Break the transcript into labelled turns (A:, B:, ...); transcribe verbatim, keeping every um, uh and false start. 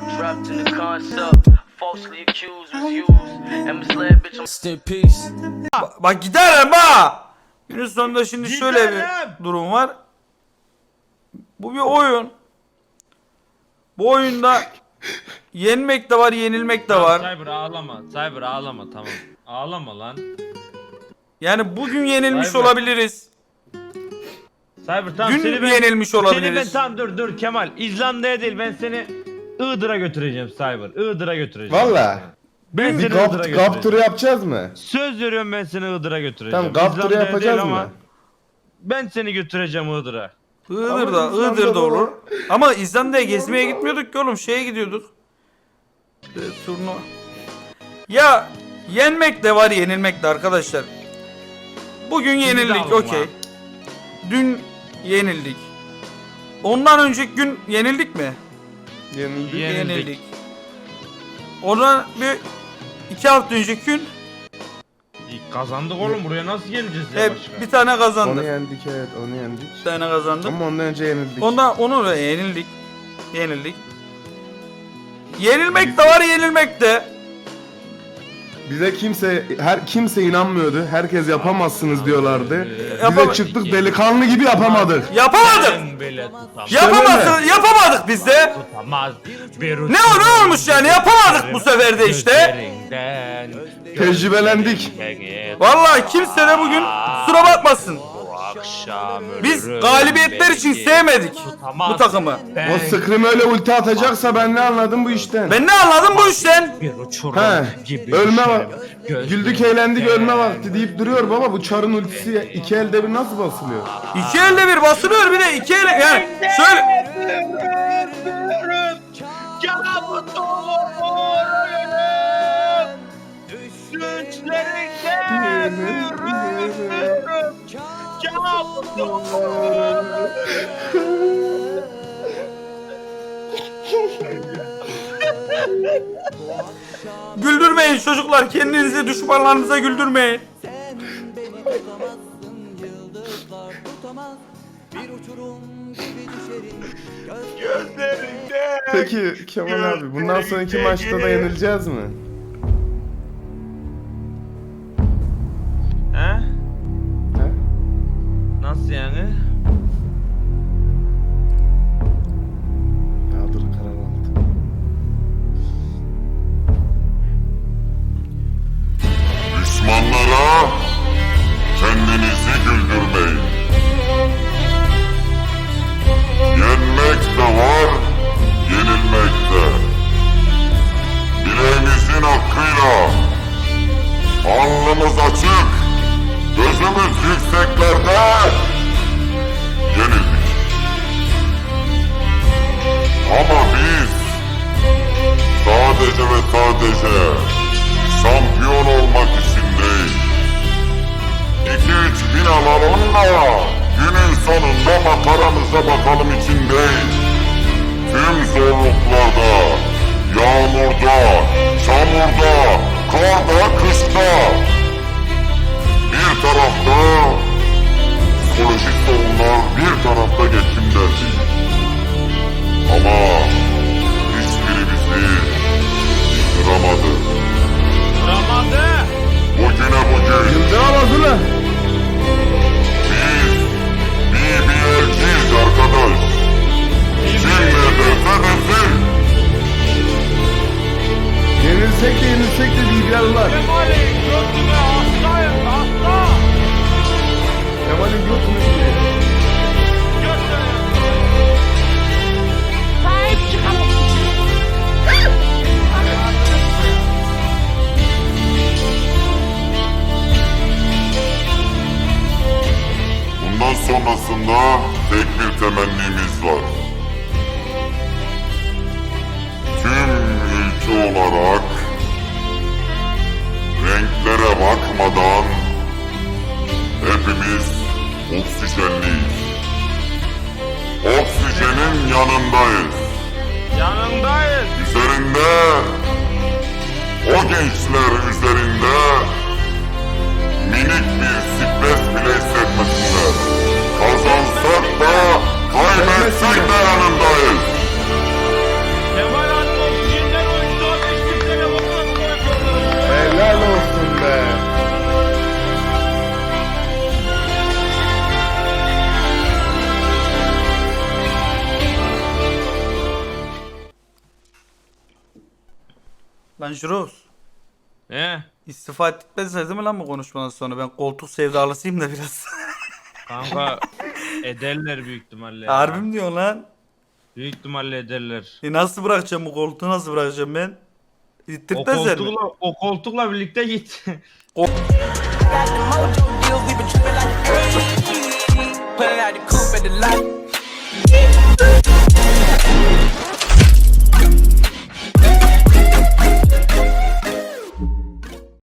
A: Trapped in the concept, falsely accused, was used, and misled, bitch. I'm still peace.
B: Ba bak giderim ha. Günün sonunda şimdi şöyle bir durum var. Bu bir oyun. Bu oyunda yenmek de var, yenilmek de var.
C: Cyber ağlama, Cyber ağlama, tamam. Ağlama lan.
B: Yani bugün yenilmiş
C: Cyber.
B: olabiliriz.
C: Cyber tamam
B: Dün
C: seni ben,
B: yenilmiş
C: seni ben
B: olabiliriz.
C: tamam dur dur Kemal. İzlanda'ya değil ben seni Iğdır'a götüreceğim Cyber. Iğdır'a götüreceğim.
D: Valla.
C: Ben
D: Bir
C: seni Iğdır'a
D: gap,
C: götüreceğim.
D: gap turu yapacağız mı?
C: Söz veriyorum ben seni Iğdır'a götüreceğim.
D: Tamam gap turu
C: İzlanda'ya
D: yapacağız
C: değil
D: mı?
C: ama Ben seni götüreceğim Iğdır'a.
B: Iğdır'da,
D: Ama İzlanda'da
B: Iğdır'da olur.
D: olur.
B: Ama İzlanda'ya gezmeye gitmiyorduk ki oğlum, şeye gidiyorduk. Ee, turnuva. Ya yenmek de var, yenilmek de arkadaşlar. Bugün yenildik,
C: alın
B: okey.
C: lan.
B: Dün yenildik. Ondan önceki gün yenildik mi?
D: Yenildik.
C: Yenildik.
B: Ondan bir iki hafta önceki gün
C: İyi, kazandık oğlum, buraya nasıl geleceğiz ya
B: hep
C: başka?
B: bir tane
D: Onu
B: kazandık.
D: yendik, evet onu yendik.
B: Bir tane kazandık.
D: Ama ondan önce yenildik.
B: Ondan onu da yenildik. Yenildik. Yenilmek de var, yenilmek de.
D: Bize kimse her kimse inanmıyordu. Herkes yapamazsınız diyorlardı.
B: Yapama-
D: Bize çıktık delikanlı gibi yapamadık.
B: Yapamadık.
C: Ben bile tutamam.
B: Yapamazsın, yapamadık biz de.
C: Tutamaz. Bir
B: Ne o ne olmuş yani, yapamadık bu sefer de işte.
C: Gözlerinden,
D: Tecrübelendik.
C: gözlerinden
B: Vallahi kimse de bugün kusura bakmasın.
C: bu akşam
B: Biz
C: ölürüm
B: galibiyetler için
C: belki.
B: sevmedik
C: Tutamaz.
B: bu takımı.
C: Ben
D: O Scream öyle ulti atacaksa ben ne anladım bu işten?
B: Ben ne anladım bu işten?
C: bir uçurum
D: He,
C: gibi
D: ölme
C: düşerim.
D: var. Güldük eğlendik ölme vakti deyip duruyor baba, bu çarın ultisi iki elde bir nasıl basılıyor?
B: İki elde bir basılıyor, bir de iki elle yani şöyle. Güldürmeyin çocuklar, kendinizi düşmanlarınıza güldürmeyin.
D: Peki Kemal abi bundan sonraki maçta da yenileceğiz mi?
C: He?
D: He?
C: Nasıl yani?
D: Ya dur karar aldım.
E: Düşmanlara kendinizi güldürmeyin. Yenmek de var, yenilmek de. Bileğimizin hakkıyla alnımız açık, gözümüz yükseklerde yenildik. Ama biz sadece ve sadece şampiyon olmak için değil, iki üç bin alalım da günün sonunda makaramıza bakalım için değil, tüm zorluklarda, yağmurda, çamurda, karda, kışta, bir tarafta psikolojik sorunlar, bir tarafta geçim derdi. Ama hiçbiri bizi yıkıramadı.
C: Ramazı!
E: Bugüne bugün
D: Güldür ağzını.
E: biz B B L'ciyiz arkadaş. Kim ne derse desin.
D: Yenilsek de yenilsek de bilgilerler.
C: Kemal'i götüme hastayım, hasta!
D: Kemal'in götünü yiyor.
F: Sahip çıkalım.
E: Bundan sonrasında tek bir temennimiz var. Tüm ülke olarak renklere bakmadan hepimiz oksijenliyiz. Oksijenin yanındayız.
C: Yanındayız.
E: Üzerinde, o gençler üzerinde minik bir stres bile hissetmesinler. Kazansak da kaybetsek de yanındayız.
C: Kemal Hanım
B: Lan Jurox.
C: He?
B: İstifa etmezler değil mi lan bu konuşmadan sonra? Ben koltuk sevdalısıyım da biraz.
C: Kanka ederler büyük ihtimalle. ya.
B: Harbi mi diyorsun lan?
C: Büyük ihtimalle ederler.
B: E nasıl bırakacağım bu koltuğu, nasıl bırakacağım ben?
C: O
B: İttirtmezler mi?
C: koltukla, o koltukla birlikte git.
F: Got the